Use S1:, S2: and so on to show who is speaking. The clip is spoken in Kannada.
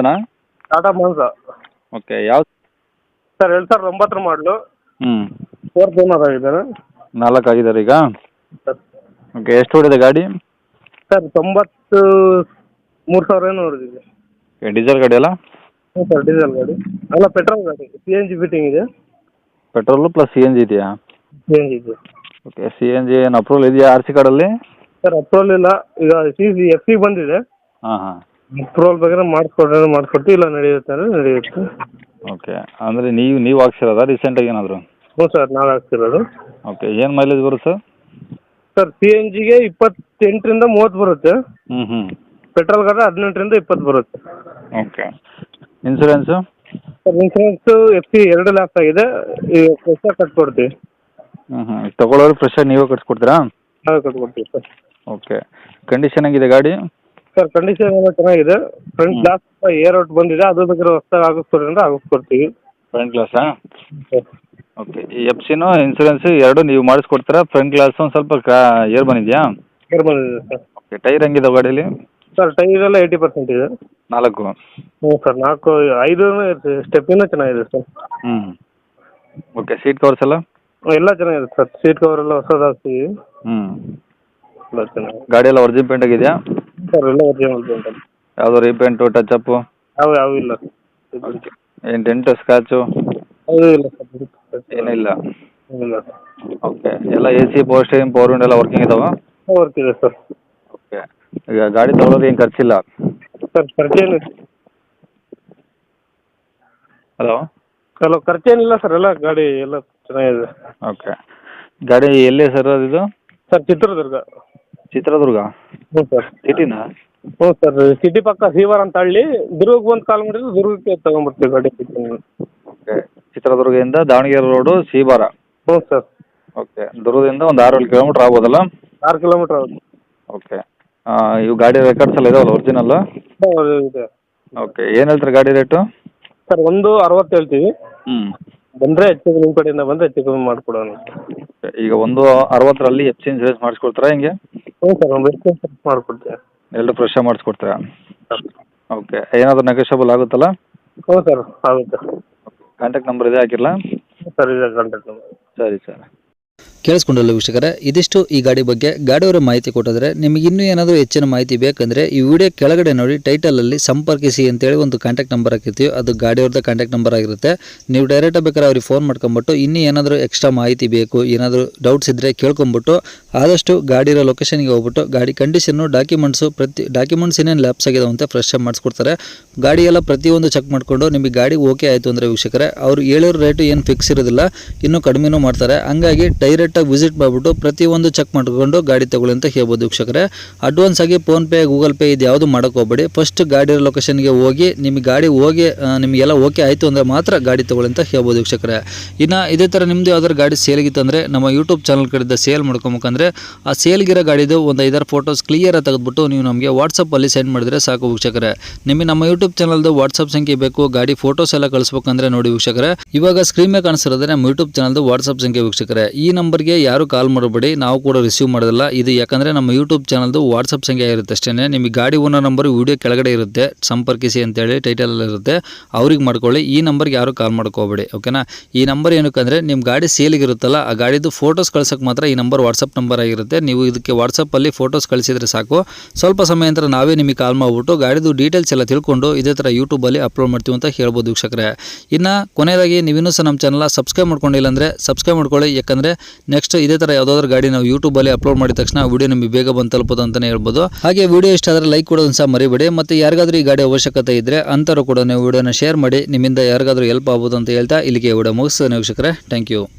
S1: ಮಾನ್ಸನಾ?
S2: ಟಾಟಾ ಮಾನ್ಸ
S1: ಓಕೆ, ಯಾವ?
S2: ಸರ್ 2009 ಮಾಡಲು.
S1: ಹ್ಞೂ,
S2: 4th ಓನರ್ ಆಗಿದ್ದಾರೆ
S1: 4 ಆಗಿದ್ದಾರೆ ಈಗ.
S2: ಸರ್.
S1: ಓಕೆ, ಎಷ್ಟು ಓಡಿದೆ ಗಾಡಿ?
S2: ಸರ್ 93,000 ಏನೋ ಹೊಡೆದಿದೆ.
S1: ಓಕೆ, ಡೀಸೆಲ್ ಗಾಡಿ ಅಲ್ಲ?
S2: ಹ್ಞೂ ಸರ್, ಡೀಸೆಲ್ ಗಾಡಿ ಅಲ್ಲ, ಪೆಟ್ರೋಲ್ ಗಾಡಿ. CNG ಫಿಟ್ಟಿಂಗ್ ಇದೆ.
S1: Petrol plus C N G ಇದೆಯಾ?
S2: CNG ಇದೆ.
S1: ಓಕೆ, ಸಿ ಎನ್ ಜಿ ಏನು ಅಪ್ರೂವಲ್ ಇದೆಯಾ ಆರ್ ಸಿ ಕಾರ್ಡಲ್ಲಿ?
S2: ಸರ್ ಅಪ್ರೂವಲ್ ಇಲ್ಲ, ಈಗ FC ಬಂದಿದೆ.
S1: ಹಾಂ ಹಾಂ.
S2: ಅಪ್ರೂವಲ್ ಬೇಕಾದ್ರೆ ಮಾಡಿಸ್ಕೊಡ್ತೀವಿ, ಇಲ್ಲ ನಡೆಯುತ್ತೆ ಅಂದರೆ ನಡೆಯುತ್ತೆ.
S1: ಓಕೆ, ಅಂದರೆ ನೀವು ಹಾಕ್ಸಿರೋದಾ ರೀಸೆಂಟಾಗಿ ಏನಾದರೂ?
S2: ಹ್ಞೂ ಸರ್, ನಾವೇ ಹಾಕ್ತಿರೋದು.
S1: ಓಕೆ, ಏನು ಮೈಲೇಜ್ ಬರುತ್ತೆ ಸರ್?
S2: ಸರ್ CNGಗೆ 28ರಿಂದ 30 ಬರುತ್ತೆ.
S1: ಹ್ಞೂ ಹ್ಞೂ.
S2: ಪೆಟ್ರೋಲ್ ಗಾಡಿ 18ರಿಂದ 20 ಬರುತ್ತೆ.
S1: Okay, insurance?
S2: Sir insurance FC 2 lapse ಆಗಿದೆ, ಈಗ ಹೊಸ ಕಟ್ಕೊಡ್ತೀವಿ.
S1: ಹ್ಞೂ ಹ್ಞೂ. ತೊಗೊಳೋರು ಫ್ರೆಶ್ಶಾಗಿ ನೀವೇ ಕಟ್ಸ್ಕೊಡ್ತೀರಾ?
S2: ನಾವೇ ಕಟ್ಕೊಡ್ತೀವಿ ಸರ್.
S1: ಓಕೆ, ಕಂಡೀಷನ್ ಹೆಂಗಿದೆ ಗಾಡಿ?
S2: ಸರ್ ಕಂಡೀಷನ್ ಎಲ್ಲ ಚೆನ್ನಾಗಿದೆ. ಫ್ರಂಟ್ ಗ್ಲಾಸ್ ಏರ್ ಔಟ್ ಬಂದಿದೆ, ಅದು ಬೇಕಾದ್ರೆ ಹೊಸದಾಗಿ ಆಗಿಸ್ಕೊಡ್ರಿ ಅಂದರೆ ಆಗಿಸ್ಕೊಡ್ತೀವಿ.
S1: ಫ್ರಂಟ್ ಗ್ಲಾಸಾ?
S2: ಸರ್
S1: ಓಕೆ, ಈ FC-ನೂ ಇನ್ಸೂರೆನ್ಸು ಎರಡು ನೀವು ಮಾಡಿಸ್ಕೊಡ್ತೀರಾ? ಫ್ರಂಟ್ ಗ್ಲಾಸು ಒಂದು ಸ್ವಲ್ಪ ಏರ್ ಬಂದಿದೆಯಾ?
S2: ಏರ್ ಬಂದಿದೆ ಸರ್.
S1: ಓಕೆ, ಟೈರ್ ಹೆಂಗಿದಾವೆ ಗಾಡೀಲಿ?
S2: ಸರ್ ಟೈರ್ ಎಲ್ಲ 80% ಇದೆ.
S1: 4?
S2: ಹ್ಞೂ ಸರ್, 5 ಸ್ಟೆಪ್ಪಿನೂ ಚೆನ್ನಾಗಿದೆ ಸರ್.
S1: ಹ್ಞೂ. ಓಕೆ, ಸೀಟ್ ಕವರ್ಸ್ ಎಲ್ಲ?
S2: ಎಲ್ಲ ಚೆನ್ನಾಗಿದೆ ಸರ್. ಸೀಟ್ ಕವರ್ ಎಲ್ಲ ಹೊಸದು ಹಾಕ್ತೀವಿ.
S1: ಹ್ಞೂ.
S2: ಎಲ್ಲ ಚೆನ್ನಾಗಿದೆ.
S1: ಗಾಡಿ ಎಲ್ಲ ಒರಿಜಿನಲ್ ಪೇಂಟ್ ಆಗಿದೆಯಾ?
S2: ಸರ್ ಎಲ್ಲ ಒರಿಜಿನಲ್ ಪೇಂಟ್.
S1: ಯಾವುದೋ ರೀಪೇಂಟು ಟಚಪ್ಪು?
S2: ಯಾವ ಇಲ್ಲ ಸರ್.
S1: ಏನು ಡೆಂಟು ಸ್ಕ್ರಾಚು?
S2: ಅದು ಇಲ್ಲ ಸರ್.
S1: ಏನಿಲ್ಲ?
S2: ಇಲ್ಲ ಸರ್.
S1: ಓಕೆ, ಎಲ್ಲ AC power steering power window ಎಲ್ಲ ವರ್ಕಿಂಗ್ ಇದಾವೆ?
S2: ವರ್ಕ್ ಇದೆ ಸರ್.
S1: ಓಕೆ, ಈಗ ಗಾಡಿ ತೊಗೊಳೋದು ಏನು ಖರ್ಚಿಲ್ಲ?
S2: ಸರ್ ಖರ್ಚೇನು?
S1: ಹಲೋ
S2: ಖರ್ಚೇನಿಲ್ಲ ಸರ್, ಎಲ್ಲ ಗಾಡಿ ಎಲ್ಲ ಚೆನ್ನಾಗಿದೆ.
S1: ಓಕೆ, ಗಾಡಿ ಎಲ್ಲಿ ಸರ್ ಇದು?
S2: ಸರ್ ಚಿತ್ರದುರ್ಗ.
S1: ಚಿತ್ರದುರ್ಗ?
S2: ಹ್ಞೂ ಸರ್.
S1: ಸಿಟಿನಾ?
S2: ಹ್ಞೂ ಸರ್, ಸಿಟಿ ಪಕ್ಕ ಸೀವರ್ ಅಂತ ಹಳ್ಳಿ. ದುರ್ಗಕ್ಕೆ ಬಂದು ಕಾಲ್ ಮಾಡಿದ್ರೆ ದುರ್ಗಕ್ಕೆ ತೊಗೊಂಬರ್ತೀವಿ ಗಾಡಿ.
S1: ಓಕೆ, ಚಿತ್ರದುರ್ಗದಿಂದ ದಾವಣಗೆರೆ ರೋಡು ಸೀಬಾರ?
S2: ಹ್ಞೂ ಸರ್.
S1: ಓಕೆ, ದುರ್ಗದಿಂದ ಒಂದು 6-7 ಕಿಲೋಮೀಟ್ರ್ ಆಗ್ಬೋದಲ್ಲ?
S2: 6 ಕಿಲೋಮೀಟ್ರ್ ಆಗುತ್ತೆ.
S1: ಓಕೆ, ಇವು ಗಾಡಿ ರೆಕಾರ್ಡ್ಸ್ ಎಲ್ಲ ಇದಾವಲ್ಲ ಒರಿಜಿನಲ್ಲು?
S2: ಇದೆ.
S1: ಓಕೆ, ಏನು ಹೇಳ್ತೀರಿ ಗಾಡಿ ರೇಟು?
S2: ಸರ್ 1.60 ಹೇಳ್ತೀವಿ.
S1: ಹ್ಞೂ.
S2: ಬಂದರೆ ಹೆಚ್ಚು ನಿಮ್ಮ ಕಡೆಯಿಂದ ಬಂದರೆ ಹೆಚ್ಚು ಕಮ್ಮಿ ಮಾಡಿಕೊಡೋಣ.
S1: ಈಗ 1.60ರಲ್ಲಿ FC ಇನ್ಸೂರೆನ್ಸ್ ಮಾಡಿಸ್ಕೊಡ್ತೀರಾ ಹೆಂಗೆ?
S2: ಹ್ಞೂ ಸರ್, ಒಂದು ಎಷ್ಟು ಮಾಡಿಕೊಡ್ತೀವಿ.
S1: ಎರಡು ಫ್ರೆಶ್ಶಾಗಿ ಮಾಡಿಸ್ಕೊಡ್ತೀರಾ? ಓಕೆ, ಏನಾದರೂ ನೆಗೋಷಿಯಬಲ್ ಆಗುತ್ತಲ್ಲ?
S2: ಹ್ಞೂ ಸರ್, ಆಗುತ್ತೆ.
S1: ಕಾಂಟ್ಯಾಕ್ಟ್ ನಂಬರ್ ಇದೆ ಹಾಕಿರಲಾ?
S2: ಸರ್ ಇದೆ ಕಾಂಟ್ಯಾಕ್ಟ್ ನಂಬರ್.
S1: ಸರಿ ಸರ್.
S3: ಕೇಳಿಸ್ಕೊಂಡಲ್ಲ ವೀಕ್ಷಕರೇ, ಇದಿಷ್ಟು ಈ ಗಾಡಿ ಬಗ್ಗೆ ಗಾಡಿಯವರ ಮಾಹಿತಿ ಕೊಟ್ಟಿದ್ರೆ. ನಿಮಗೆ ಇನ್ನೂ ಏನಾದರೂ ಹೆಚ್ಚಿನ ಮಾಹಿತಿ ಬೇಕಂದರೆ ಈ ವಿಡಿಯೋ ಕೆಳಗಡೆ ನೋಡಿ ಟೈಟಲಲ್ಲಿ ಸಂಪರ್ಕಿಸಿ ಅಂತೇಳಿ ಒಂದು ಕಾಂಟ್ಯಾಕ್ಟ್ ನಂಬರ್ ಹಾಕಿರ್ತೀವಿ. ಅದು ಗಾಡಿಯವ್ರದ್ದು ಕಾಂಟ್ಯಾಕ್ಟ್ ನಂಬರ್ ಆಗಿರುತ್ತೆ. ನೀವು ಡೈರೆಕ್ಟಾಗಿ ಬೇಕಾದ್ರೆ ಅವ್ರಿಗೆ ಫೋನ್ ಮಾಡ್ಕೊಂಬಿಟ್ಟು ಇನ್ನೂ ಏನಾದರೂ ಎಕ್ಸ್ಟ್ರಾ ಮಾಹಿತಿ ಬೇಕು, ಏನಾದರೂ ಡೌಟ್ಸ್ ಇದ್ದರೆ ಕೇಳ್ಕೊಂಬಿಟ್ಟು ಆದಷ್ಟು ಗಾಡಿರೋ ಲೊಕೇಶನ್ಗೆ ಹೋಗ್ಬಿಟ್ಟು ಗಾಡಿ ಕಂಡೀಷನ್ನು ಡಾಕ್ಯುಮೆಂಟ್ಸ್ ಏನೇನು ಲ್ಯಾಪ್ಸ್ ಆಗಿದಾವೆ ಅಂತ ಫ್ರೆಶ್ ಆಗಿ ಮಾಡಿಸ್ಕೊಡ್ತಾರೆ. ಗಾಡಿ ಎಲ್ಲ ಪ್ರತಿಯೊಂದು ಚೆಕ್ ಮಾಡಿಕೊಂಡು ನಿಮಗೆ ಗಾಡಿ ಓಕೆ ಆಯಿತು ಅಂದರೆ ವೀಕ್ಷಕರೇ, ಅವ್ರು ಹೇಳಿರೋ ರೇಟು ಏನು ಫಿಕ್ಸ್ ಇರೋದಿಲ್ಲ, ಇನ್ನೂ ಕಡಿಮೆನೂ ಮಾಡ್ತಾರೆ. ಹಂಗಾಗಿ ಡೈರೆಕ್ಟಾಗಿ ವಿಸಿಟ್ ಮಾಡಿಬಿಟ್ಟು ಪ್ರತಿಯೊಂದು ಚೆಕ್ ಮಾಡಿಕೊಂಡು ಗಾಡಿ ತಗೊಳ್ಳಿ ಅಂತ ಹೇಳ್ಬೋದು ವೀಕ್ಷಕರೇ. ಅಡ್ವಾನ್ಸ್ ಆಗಿ ಫೋನ್ಪೇ ಗೂಗಲ್ ಪೇ ಇದು ಯಾವುದು ಮಾಡೋಕೆ ಹೋಗಬೇಡಿ. ಫಸ್ಟ್ ಗಾಡಿ ಲೊಕೇಶನ್ಗೆ ಹೋಗಿ ನಿಮಗೆ ಗಾಡಿ ನಿಮಗೆಲ್ಲ ಓಕೆ ಆಯಿತು ಅಂದರೆ ಮಾತ್ರ ಗಾಡಿ ತಗೊಳ್ಳಿ ಅಂತ ಹೇಳ್ಬೋದು ವೀಕ್ಷಕರೇ. ಇನ್ನು ಇದೇ ಥರ ನಿಮ್ಮದು ಯಾವ್ದಾದ್ರು ಗಾಡಿ ಸೇಲ್ಗಿತ್ತು ಅಂದರೆ ನಮ್ಮ ಯೂಟ್ಯೂಬ್ ಚಾನಲ್ ಕಡೆಯಿಂದ ಸೇಲ್ ಮಾಡ್ಕೊಬೇಕಂದ್ರೆ ಆ ಸೇಲ್ಗಿರೋ ಗಾಡಿದು ಒಂದು 5-6 ಫೋಟೋಸ್ ಕ್ಲಿಯರಾಗಿ ತೆಗೆದುಬಿಟ್ಟು ನೀವು ನಮಗೆ ವಾಟ್ಸಪ್ಪಲ್ಲಿ ಸೆಂಡ್ ಮಾಡಿದರೆ ಸಾಕು ವೀಕ್ಷಕರೇ. ನಿಮಗೆ ನಮ್ಮ ಯೂಟ್ಯೂಬ್ ಚಾನಲ್ದು ವಾಟ್ಸಪ್ ಸಂಖ್ಯೆ ಬೇಕು, ಗಾಡಿ ಫೋಟೋಸ್ ಎಲ್ಲ ಕಳಿಸ್ಬೇಕಂದ್ರೆ ನೋಡಿ ವೀಕ್ಷಕರೇ, ಇವಾಗ ಸ್ಕ್ರೀನ್ ಮೇಲೆ ಕಾಣಿಸ್ತಿರೋದ್ರೆ ನಮ್ಮ ಯೂಟ್ಯೂಬ್ ಚಾನಲ್ದು ವಾಟ್ಸಪ್ ಸಂಖ್ಯೆ ವೀಕ್ಷಕರೇ. ಈ ನಂಬರ್ಗೆ ಯಾರು ಕಾಲ್ ಮಾಡಬೇಡಿ, ನಾವು ಕೂಡ ರಿಸೀವ್ ಮಾಡೋದಿಲ್ಲ. ಇದು ಯಾಕಂದರೆ ನಮ್ಮ ಯೂಟ್ಯೂಬ್ ಚಾನಲ್ದು ವಾಟ್ಸಪ್ ಸಂಖ್ಯೆ ಇರುತ್ತೆ ಅಷ್ಟೇ. ನಿಮಗೆ ಗಾಡಿ ಓನರ್ ನಂಬರ್ ವಿಡಿಯೋ ಕೆಳಗಡೆ ಇರುತ್ತೆ, ಸಂಪರ್ಕಿಸಿ ಅಂತೇಳಿ ಟೈಟಲಲ್ಲಿ ಇರುತ್ತೆ, ಅವ್ರಿಗೆ ಮಾಡ್ಕೊಳ್ಳಿ. ಈ ನಂಬರ್ಗೆ ಯಾರು ಕಾಲ್ ಮಾಡ್ಕೋಬೇಡಿ, ಓಕೆನಾ. ಈ ನಂಬರ್ ಏನಕ್ಕೆ ಅಂದರೆ ನಿಮ್ಮ ಗಾಡಿ ಸೇಲಿಗೆ ಇರುತ್ತಲ್ಲ, ಆ ಗಾಡಿದು ಫೋಟೋಸ್ ಕಳ್ಸೋಕ್ಕೆ ಮಾತ್ರ ಈ ನಂಬರ್ ವಾಟ್ಸಪ್ ನಂಬರ್ ಆಗಿರುತ್ತೆ. ನೀವು ಇದಕ್ಕೆ ವಾಟ್ಸಪ್ಪಲ್ಲಿ ಫೋಟೋಸ್ ಕಳಿಸಿದರೆ ಸಾಕು. ಸ್ವಲ್ಪ ಸಮಯ ನಂತರ ನಾವೇ ನಿಮಗೆ ಕಾಲ್ ಮಾಡಿಬಿಟ್ಟು ಗಾಡಿದು ಡೀಟೇಲ್ಸ್ ಎಲ್ಲ ತಿಳ್ಕೊಂಡು ಇದೇ ಥರ ಯೂಟ್ಯೂಬಲ್ಲಿ ಅಪ್ಲೋಡ್ ಮಾಡ್ತೀವಿ ಅಂತ ಹೇಳ್ಬೋದು ವೀಕ್ಷಕರೇ. ಇನ್ನು ಕೊನೆಯದಾಗಿ ನೀವಿನ್ನೂ ಸಹ ನಮ್ಮ ಚಾನಲ್ ಸಬ್ಸ್ಕ್ರೈಬ್ ಮಾಡ್ಕೊಂಡಿಲ್ಲ ಅಂದರೆ ಸಬ್ಸ್ಕ್ರೈಬ್ ಮಾಡ್ಕೊಳ್ಳಿ. ಯಾಕಂದರೆ ನೆಕ್ಸ್ಟ್ ಇದೇ ಥರ ಯಾವುದಾದ್ರೂ ಗಾಡಿ ನಾವು ಯೂಟ್ಯೂಬಲ್ಲಿ ಅಪ್ಲೋಡ್ ಮಾಡಿದ ತಕ್ಷಣ ವಿಡಿಯೋ ನಿಮಗೆ ಬೇಗ ಬಂದು ತಲುಪೋದು ಅಂತಲೇ ಹೇಳ್ಬೋದು. ಹಾಗೆ ವಿಡಿಯೋ ಇಷ್ಟ ಆದರೆ ಲೈಕ್ ಕೊಡೋದನ್ನು ಸಹ ಮರಿಬೇಡಿ. ಮತ್ತು ಯಾರಿಗಾದ್ರೂ ಈ ಗಾಡಿ ಅವಶ್ಯಕತೆ ಇದ್ದರೆ ಅಂಥವ್ರು ಕೂಡ ನೀವು ವಿಡಿಯೋನ ಶೇರ್ ಮಾಡಿ, ನಿಮ್ಮಿಂದ ಯಾರಿಗಾದ್ರೂ ಹೆಲ್ಪ್ ಆಗ್ಬೋದು ಅಂತ ಹೇಳ್ತಾ ಇಲ್ಲಿಗೆ ವಿಡಿಯೋ ಮುಗಿಸ್ತೇನೆ ವೀಕ್ಷಕರೇ. Thank you.